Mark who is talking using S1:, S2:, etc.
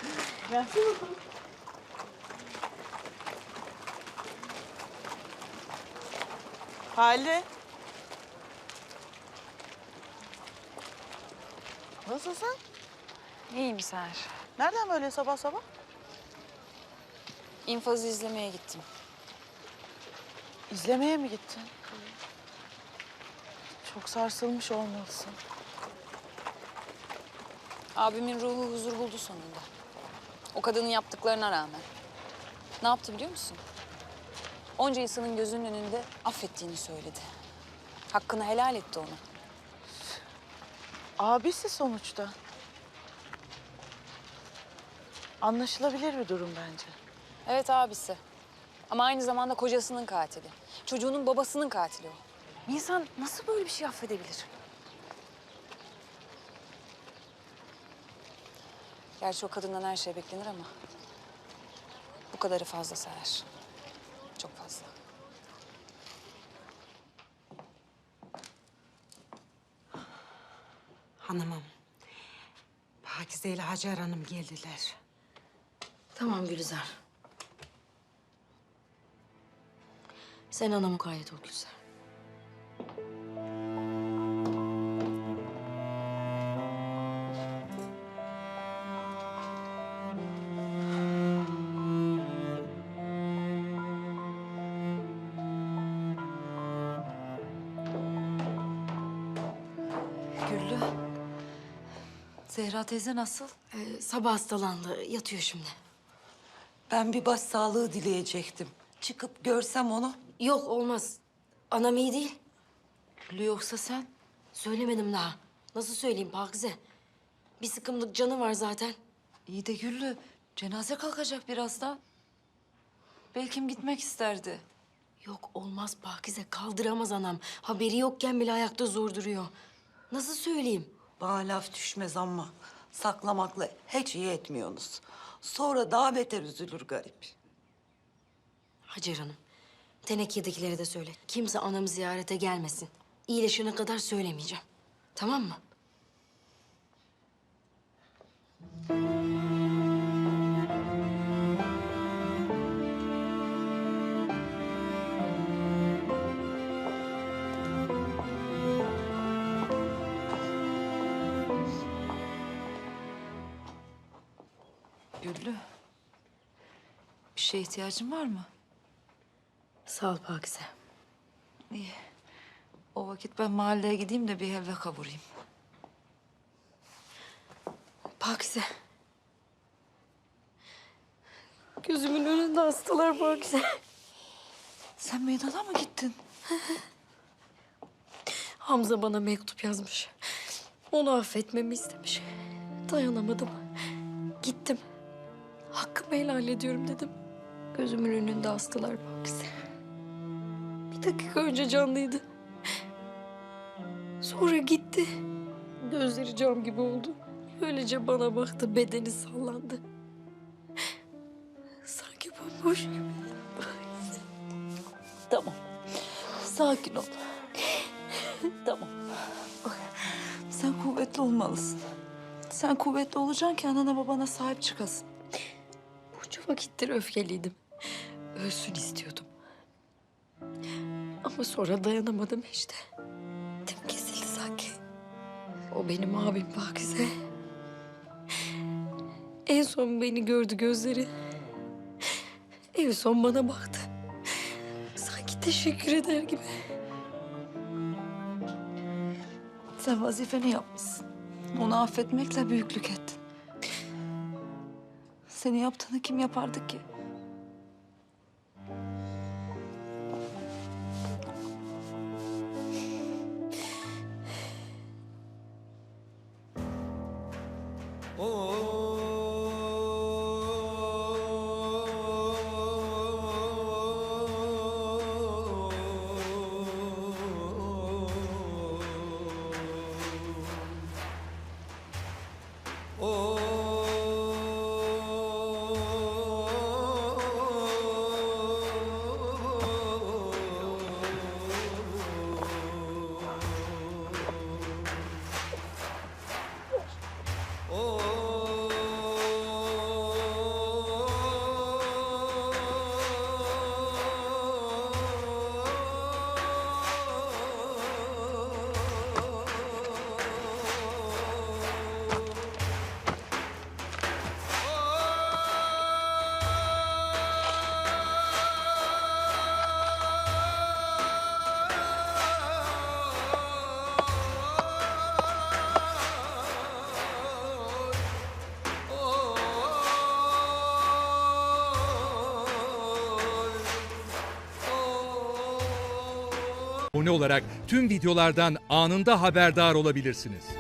S1: Merci. Halide. Nasılsın?
S2: İyiyim Seher.
S1: Nereden böyle sabah sabah?
S2: İnfazı izlemeye gittim.
S1: İzlemeye mi gittin? Çok sarsılmış olmalısın.
S2: Abimin ruhu huzur buldu sonunda. O kadının yaptıklarına rağmen. Ne yaptı biliyor musun? Onca insanın gözünün önünde affettiğini söyledi. Hakkını helal etti ona.
S1: Abisi sonuçta. Anlaşılabilir bir durum bence.
S2: Evet abisi. Ama aynı zamanda kocasının katili. Çocuğunun babasının katili o. Bir insan nasıl böyle bir şey affedebilir? Gerçi o kadından her şey beklenir ama... bu kadarı fazla Seher. Çok fazla.
S3: Hanımım, Pakize ile Hacer Hanım geldiler.
S4: Tamam Gülizar. Sen ana mukayyet ol Gülizar.
S5: Güllü. Zehra teyze nasıl?
S4: Sabah hastalandı. Yatıyor şimdi.
S5: Ben bir başsağlığı dileyecektim. Çıkıp görsem onu.
S4: Yok olmaz. Anam iyi değil.
S5: Güllü yoksa sen?
S4: Söylemedim daha. Nasıl söyleyeyim Pakize? Bir sıkımlık canı var zaten.
S5: İyi de Güllü, cenaze kalkacak birazdan. Belki gitmek isterdi.
S4: Yok olmaz Pakize. Kaldıramaz anam. Haberi yokken bile ayakta zor duruyor. Nasıl söyleyeyim?
S5: Bana laf düşmez ama saklamakla hiç iyi etmiyorsunuz. Sonra daha beter üzülür garip.
S4: Hacer Hanım, Teneke'dekilere de söyle. Kimse anamı ziyarete gelmesin. İyileşene kadar söylemeyeceğim. Tamam mı?
S5: Güllü, bir şeye ihtiyacın var mı?
S4: Sağ ol Pakize.
S5: İyi. O vakit ben mahalleye gideyim de bir helva kavurayım.
S4: Pakize. Gözümün önünde hastalar Pakize.
S5: Sen meydana mı gittin?
S4: Hamza bana mektup yazmış. Onu affetmemi istemiş. Dayanamadım. Gittim. Hakkımı helal ediyorum dedim. Gözümün önünde hastalar Pakize. Bir dakika önce canlıydı. Sonra gitti. Gözleri cam gibi oldu. Öylece bana baktı, bedeni sallandı. Sanki bomboş gibi.
S5: Tamam. Sakin ol. Tamam. Sen kuvvetli olmalısın. Sen kuvvetli olacaksın ki anana babana sahip çıkasın.
S4: Bunca vakittir öfkeliydim. Ölsün istiyordum. Ama sonra dayanamadım işte. Tim kesildi sanki. O benim abim Pakize. En son beni gördü gözleri. En son bana baktı. Sanki teşekkür eder gibi.
S5: Sen vazifeni yapmışsın. Onu affetmekle büyüklük ettin. Senin yaptığını kim yapardı ki?
S6: abone olarak tüm videolardan anında haberdar olabilirsiniz.